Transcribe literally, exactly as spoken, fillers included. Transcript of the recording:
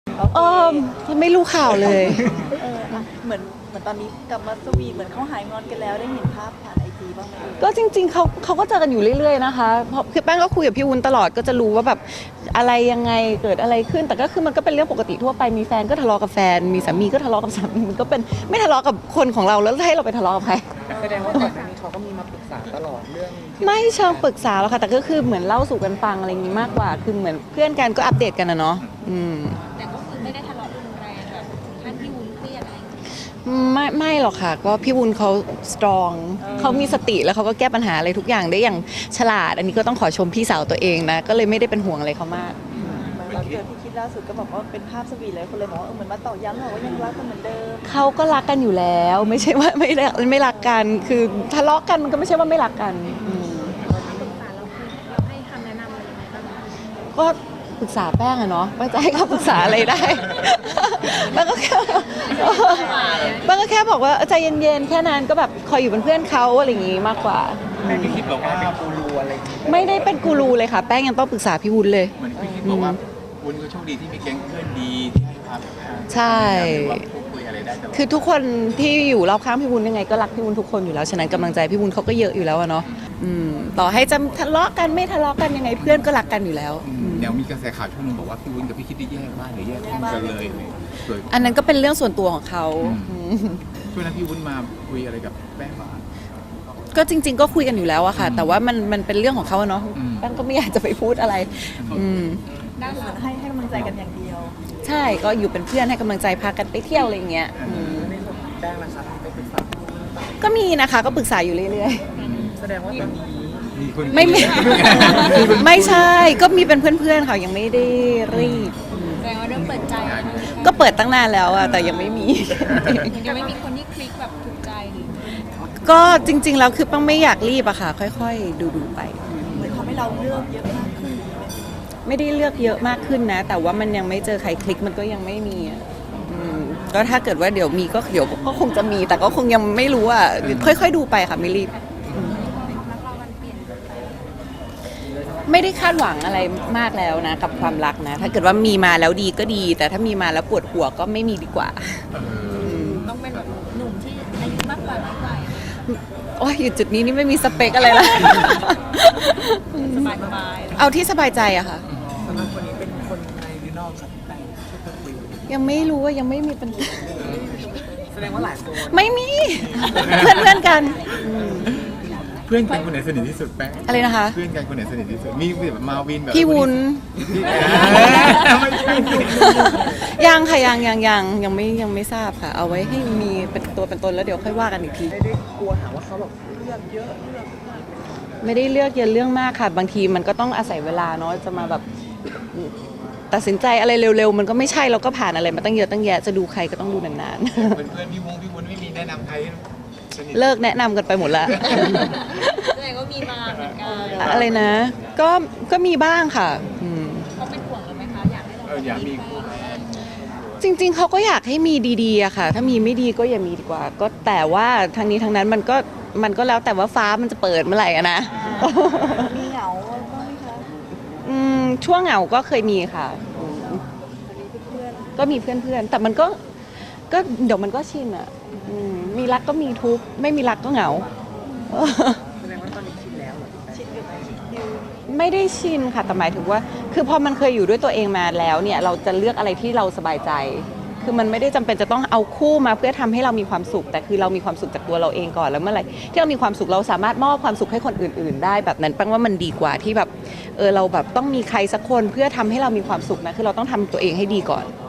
เออไม่รู้ข่าวเลยเอออะเหมือนเหมือนตอนนี้กลับมาสวีทเหมือนเขาหายงอนกันแล้วได้เห็นภาพผ่านไอจีบ้างไหมเอ่ยก็จริงๆเขาเขาก็เจอกันอยู่เรื่อยๆนะคะเพราะคือแป้งก็คุยกับพี่วุ้นตลอดก็จะรู้ว่าแบบอะไรยังไงเกิดอะไรขึ้น แต่ก็คือมันก็เป็นเรื่องปกติทั่วไปมีแฟนก็ทะเลาะกับแฟน มีสามีก็ทะเลาะกับสามีมันก็เป็นไม่ทะเลาะกับคนของเราแล้วให้เราไปทะเลาะกับใครแสดงว่าก่อนหน้านี้เขาก็มีมาปรึกษาตลอดเรื่องที่ไม่เชิงปรึกษาหรอกค่ะแต่ก็คือเหมือนเล่าสู่กันฟังอะไรอย่างนี้มากกว่า คือเหมือนเพื่อนกันก็อัปเดตกันนะเนาะอืมแต่ก็คือไม่ได้ทะเลาะรุนแรงแบบถึงขั้นที่วุ้นเครียดอะไรอย่างเงี้ยไม่ไม่หรอกค่ะก็พี่วุ้นเขาสตรองเขามีสติแล้วเขาก็แก้ปัญหาอะไรทุกอย่างได้อย่างฉลาด อันนี้ก็ต้องขอชมพี่สาวตัวเองนะก็เลยไม่ได้เป็นห่วงอะไรเขามากเหมือนตอนเกิดที่คิดล่าสุดก็บอกว่าเป็นภาพสวีทเลยคนเลยบอกว่าเออเหมือนมาตอกย้ำบอกว่ายังรักกันเหมือนเดิมเขาก็รักกันอยู่แล้ว ไม่ใช่ว่าไม่รักไม่รักกัน คือทะเลาะกันมันก็ไม่ใช่ว่าไม่รักกันอืมปรึกษาเราคือเราให้คำแนะนำอะไรยังไงบ้างคะก็ปรึกษาแป้งอะเนาะแป้งจะให้เขาปรึกษาอะไรได้ แป้งก็แค่แป้งก็แค่บอกว่าใจเย็นๆแค่นั้นก็แบบคอยอยู่เป็นเพื่อนเขาอะไรอย่างงี้มากกว่าแม่พี่คิดบอกว่าเป็นกูรูอะไรอย่างงี้ไม่ได้เป็นกูรูเลยค่ะ แป้งยังต้องปรึกษาพี่วุ้นเลยเหมือนพี่คิดบอกว่าวุ้นก็โชคดีที่มีแก๊งเพื่อนดีที่ให้ความใช่หรือว่าพูดคุยอะไรได้ตลอดคือทุกคนที่อยู่รอบข้างพี่วุ้นยังไงก็รักพี่วุ้นทุกคนอยู่แล้วฉะนั้นกำลังใจพี่วุ้นเขาก็เยอะอยู่แล้วอะเนาะอืมต่อให้จะทะเลาะกันไม่ทะเลาะกันยังไงเพื่อนก็รักกันอยู่แล้วอืมเดี๋ยวมีกระแสข่าวช่วงนึงบอกว่าพี่วุ้นกับพี่คิดได้แยกบ้านหรือแยกห้องกันเลยโดยอันนั้นก็เป็นเรื่องส่วนตัวของเขาอืมอืมช่วงนั้นพี่วุ้นมาคุยอะไรกับแป้งบ้างก็จริง ๆ ก็คุยกันอยู่แล้วอะค่ะ แต่ว่ามันมันเป็นเรื่องของเขาอะเนาะอืมแป้งก็ไม่อยากจะไปพูดอะไรอืมด้านเหหมืลัอง นให้ให้กำลังใจกันอย่างเดียวใช่ก็อยู่เป็นเพื่อนให้กำลังใจพากันไปเที่ยวอะไรอย่างเงี้ยอืมในส่วนของแป้งล่ะครับไปปรึกษาพี่วุ้นบ้างก็มีนะคะก็ปรึกษาอยู่เรื่อยแสดงว่าตอนนี้มีคนๆ ไม่มี ไม่ใช่ก็มีเป็นเพื่อนๆค่ะยังไม่ได้รีบแสดงว่าเริ่มเปิดใจแล้วนะคะก็เปิดตั้งนานแล้วอะแต่ยังไม่มียังไม่มีคนที่คลิกแบบถูกใจหรือก็จริง ๆ แล้วคือป้งไม่อยากรีบอะค่ะ ค่อยๆ ดูๆไปเหมือนทำให้เราเลือกเยอะมากขึ้นไม่ได้เลือกเยอะมากขึ้นนะ แต่ว่ามันยังไม่เจอใครคลิกมันก็ยังไม่มีอะอืมก็ถ้าเกิดว่าเดี๋ยวมีก็เดี๋ยวก็คงจะมี แต่ก็คงยังไม่รู้อะค่อยๆ ดูไปค่ะไม่รีบรักเรามันเปลี่ยนไปไม่ได้คาดหวังอะไรมากแล้วนะ กับความรักนะ ถ้าเกิดว่ามีมาแล้วดีก็ดี แต่ถ้ามีมาแล้วปวดหัวก็ไม่มีดีกว่าเออต้องเป็นแบบหนุ่มที่อายุมากกว่าน้อยกว่าโอ้ยอยู่จุดนี้นี่ไม่มีสเปคอะไรละสบายสบายเอาที่สบายใจอะค่ะสำหรับคนนี้เป็นคนในหรือนอกครับพี่แป้งที่เพิ่งคุยยังไม่รู้ว่ายังไม่มีปัญหาแสดงว่าหลายคนไม่มี เพื่อนเพื่อนๆกันอืมเพื่อนกันคนไหนสนิทที่สุดแป้งอะไรนะคะเพื่อนกันคนไหนสนิทที่สุดมีแบบมาวินแบบพี่วุ้นพี่เออไม่ใช่ยังค่ะยังยังยังยังไม่ยังไม่ทราบค่ะ เอาไว้ให้มีเป็นตัวเป็นตนแล้วเดี๋ยวค่อยว่ากันอีกทีไม่ได้กลัวหาว่าเขาแบบเลือกเยอะเลือกไม่ได้เลือกเยอะเรื่องมากค่ะ บางทีมันก็ต้องอาศัยเวลาเนาะจะมาแบบตัดสินใจอะไรเร็วๆ มันก็ไม่ใช่เราก็ผ่านอะไรมาตั้งเยอะตั้งแยะจะดูใครก็ต้องดูนานเพื่อนๆพี่วงพี่วุ้นไม่มีแนะนำใครสนิทๆ เลิกแนะนำกันไปหมดละแสดงว่ามีมาเหมือนกันอะไรนะ ก็ก็มีบ้างค่ะอืมเขาเป็นห่วงเราไหมคะอยากให้เราเอออยากมีคู่จริงๆ เขาก็อยากให้มีดีๆอะค่ะ ถ้ามีไม่ดีก็อย่ามีดีกว่า ก็แต่ว่าทางนี้ทางนั้นมันก็มันก็แล้วแต่ว่าฟ้ามันจะเปิดเมื่อไหร่อะนะมีเหงาบ้างไหมคะอืมช่วงเหงาก็เคยมีค่ะอืมเพื่อนก็มีเพื่อนๆ แต่มันก็ก็เดี๋ยวมันก็ชินอะอืมมีรักก็มีทุกข์ไม่มีรักก็เหงาแสดงว่าตอนนี้ชินแล้วเหรอพี่แป้งชินอยู่ไหมดิวไม่ได้ชินค่ะแต่หมายถึงว่า คือพอมันเคยอยู่ด้วยตัวเองมาแล้วเนี่ยเราจะเลือกอะไรที่เราสบายใจ คือมันไม่ได้จำเป็นจะต้องเอาคู่มาเพื่อทำให้เรามีความสุข แต่คือเรามีความสุขจากตัวเราเองก่อนแล้วเมื่อไหร่ที่เรามีความสุขเราสามารถมอบความสุขให้คนอื่น ๆ ได้แบบนั้นแปลว่ามันดีกว่าที่แบบเออเราแบบต้องมีใครสักคนเพื่อทำให้เรามีความสุขนะคือเราต้องทำตัวเองให้ดีก่อน